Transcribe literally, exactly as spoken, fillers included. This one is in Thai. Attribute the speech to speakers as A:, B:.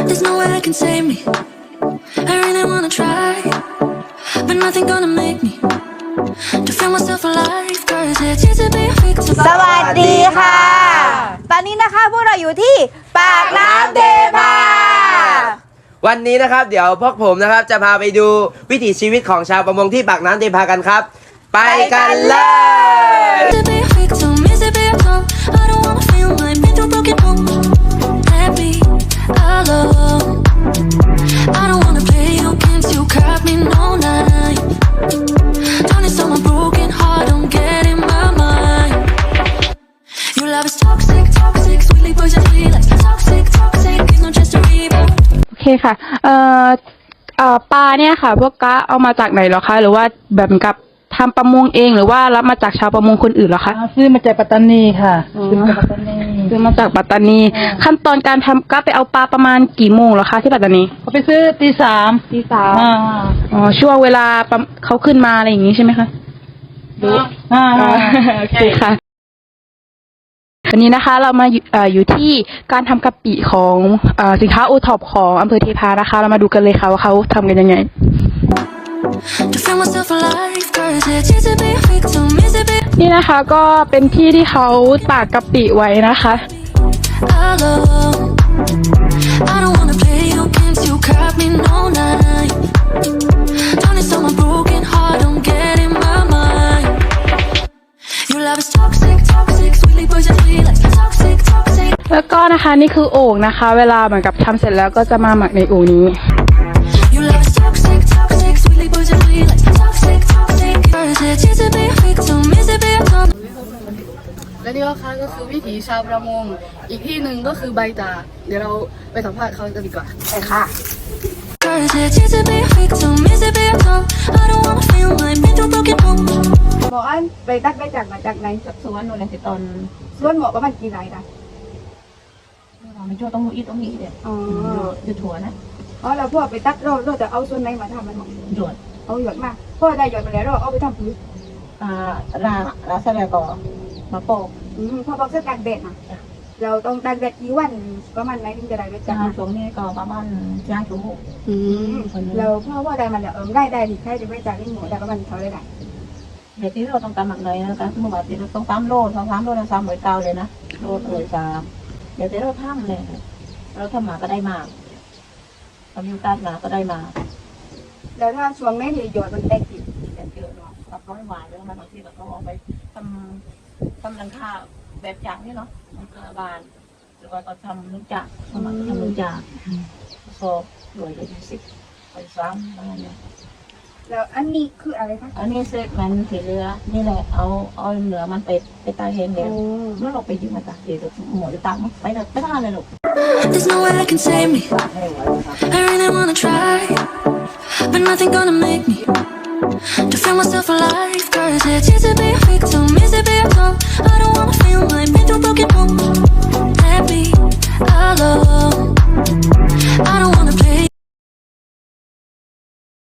A: There's no way that can save me. I really wanna try, but nothing gonna make me to feel myself alive. Cause it's easy to be a victim.
B: สวัสดีค่ะ ตอนนี้นะคะพวกเราอยู่ที่ปากน้ำเทพา
C: วันนี้นะครับเดี๋ยวพวกผมนะครับจะพาไปดูวิถีชีวิตของชาวประมงที่ปากน้ำเทพากันครับไปกันเลย
A: To be a victim, is it be a call? I don't wanna feel like been through broken homes. Let me alone. I don't wanna play your games, you caught me no night. Don't need someone broken heart, don't get in my mind. Your love is toxic, toxic, sweetly poisonally like toxic, toxic, it's not just a rebound.
D: โอเคค่ะ เอ่อเอ่อปลาเนี่ยค่ะ พวกกะเอามาจากไหนเหรอคะ หรือว่าแบบกับทำประมงเองหรือว่ารับมาจากชาวประมงคนอื่นเหรอคะ
E: ซื้อมาจากปัตตานีค่ะซื้อมาจากปัตตานี
D: ซื้อมาจากปัตตานี ขั้นตอนการทำกะไปเอาปลาประมาณกี่โมงเหรอคะที่ปัตตานี
E: เขาไปซื้อตีสาม
D: ตีสาม
E: อ่า
D: อ๋อช่วงเวลาเขาขึ้นมาอะไรอย่างนี้ใช่ไหมคะ
E: อ่า
D: โอเคค่ะวันนี้นะคะเรามาอยู่เอ่ออยู่ที่การทำกะปิของเอ่อสินค้าโอท็อปของอำเภอเทพานะคะ เรามาดูกันเลยค่ะว่าเขาทำกันยังไง
A: To feel myself alive, cause it's easy to be a victim, is it be
D: นี่นะคะก็เป็นที่ที่เขาตากกะปิไว้นะคะ
A: alone. I don't wanna play your games, you caught me no night. Don't need someone broken heart, don't get in my mind. Your love is toxic, toxic, sweetly poisonally like toxic, toxic.
D: แล้วก็นะคะนี่คือโอ่งนะคะ เวลาเหมือนกับทำเสร็จแล้วก็จะมาหมักในโอ่งนี้
A: Your love is toxic, toxic, sweetly poisonally like toxic, toxic. Cause it's easy to be a victim, is it be a call?
F: และนี่ก็ค่ะก็คือวิถีชาวประมงอีกที่หนึ่งก็คือใบตาดเดี๋ยวเราไปสัมภาษณ์เขากันดีกว่าไปค่ะ
A: Cause it's easy to be a victim, is it be a call? I don't wanna feel like been through broken homes.
B: บอกอันไปตัดไปจากมาจากไหน
G: สวนนู่นเลยสิตอน
B: ส่วนหมอประมาณกี่ไรนะ
G: มันช่วงต้องอีตรงนี้เด็ด
B: อ๋อ
G: อยู่ถั่วนะ
B: อ๋อเราพ่อไปตัดเราเราจะเอาส่วนไหนมาทำมันหมด
G: หยด
B: เอาหยดมาพ่อได้หยดมาแล้วเราเอาไปทำพื้น
G: อ่าลาลาสลายก่อมาโปก
B: อืมพ่อบอกเสื้อตากแดดนะเราต้องตากแดดกี่วันประมาณไหนถึงจะได้ไปจั
G: จา
B: บ
G: งช่วงนี้ก็ประมาณย่างชั่วโมง
D: อืม
B: เราพ่อว่าได้มันเดี๋ยวเออได้ได้ที่ใครจะไปจากที่หมูได้ประมาณเท่าไรได้
G: เดี๋ยวที่เราต้องตำหมักเลยนะคะเมื่อวานที่เราต้องตำโลดสองสามโลนะสามหอยเกาเลยนะโลดเลยสามเดี๋ยวที่เราทำเลยเราทำหมาก็ได้มาทำยูตัดมาก็ได้มา
B: แล้วถ้าช่วงไหนที่หยดมันแตกติด
G: แต่เยอะเนาะรับร้อยหวานแล้วมาบางทีเราก็เอาไปทำทำรังคาแบบจากนี่เนาะรังคาบานหรือว่าก็ทำลูกจากสมัครทำลูกจากสอบรวยเลยสิบไปซ้ำอะไรเนี่ย
B: แล้วอันนี้คืออะไรคะ
G: อันนี้เซ็ตมันสีเรือนี่แหละเอาเอาเนื้อมันไปไปตายเห็นเดี๋ยวเมื่อเราไปยืมมาตากเดี๋ยวหมดจะตากมันไปเลยไปท่าเลยลูก
A: There's no way that can save me. I really wanna try, but nothing gonna make me to feel myself alive. Cause it's easy to be a victim, is it be a call? I don't wanna